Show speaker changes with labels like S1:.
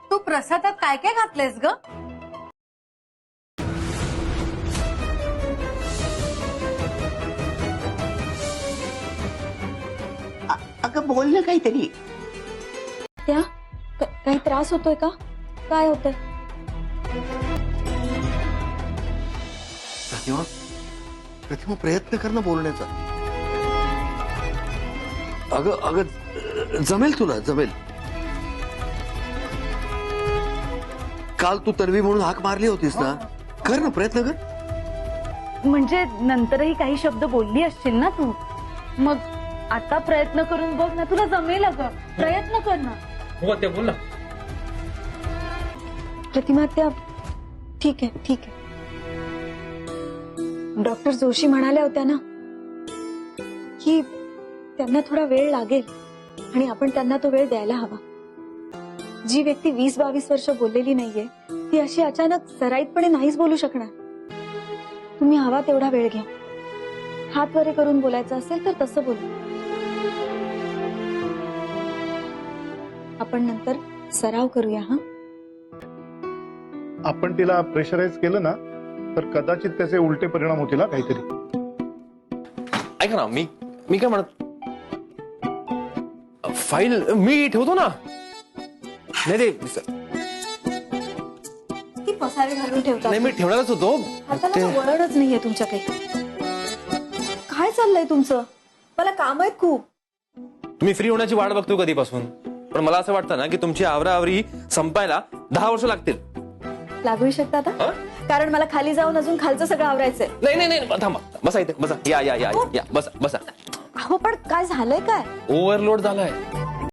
S1: तू प्रसादात काय काय घातलेस ग?
S2: अगं बोल ना काहीतरी.
S3: त्या काही त्रास होतोय का? काय होतंय?
S4: प्रतिमा प्रयत्न कर ना बोलण्याचा. अगं अगं जमेल तुला, जमेल. काल तू तन्वी म्हणून हाक मारली होतीस ना, कर ना, प्रयत्न कर.
S3: म्हणजे नंतरही काही शब्द बोलली असशील ना तू, मग आता प्रयत्न करून बघ ना, तुला जमेल अगं. प्रयत्न कर ना.
S5: हो ते बोल ना.
S3: प्रतिमा त्या ठीक आहे, ठीक आहे. डॉक्टर जोशी म्हणाल्या होत्या ना की त्यांना थोडा वेळ लागेल आणि आपण त्यांना तो वेळ द्यायला हवा. जी व्यक्ती 20-22 वर्ष बोललेली नाहीये ती अशी अचानक सराईतपणे नाहीच बोलू शकणार. तुम्ही हवा तेवढा वेळ घ्या. हात वरे करून बोलायचं असेल तर तसं बोलू. आपण नंतर सराव करूया. हा,
S6: आपण तिला प्रेशराईज केलं ना तर कदाचित त्याचे उलटे परिणाम होतील. काहीतरी
S5: ऐका ना, मी काय म्हणत, फाईल मी ठेवतो ना. नाही ते
S3: ती पसारे घालून ठेवतात.
S5: नाही, मी ठेवणारच होतो.
S3: हाताला वळणच नाहीये तुमच्या काही. काय चाललंय तुमचं? मला काम आहेत खूप.
S5: तुम्ही फ्री होण्याची वाट बघतो कधीपासून, पण मला असं वाटतं ना की तुमची आवराआवरी संपायला 10 वर्ष लागतील.
S3: लागू शकतात
S5: हा?
S3: कारण मला खाली जाऊन अजून खालचं सगळं आवरायचंय.
S5: नाही नाही नाही, थांबा, बसा इथे, बसा. या या या या, बसा बसा.
S3: अहो पण काय झालंय? काय
S5: ओव्हरलोड झालाय.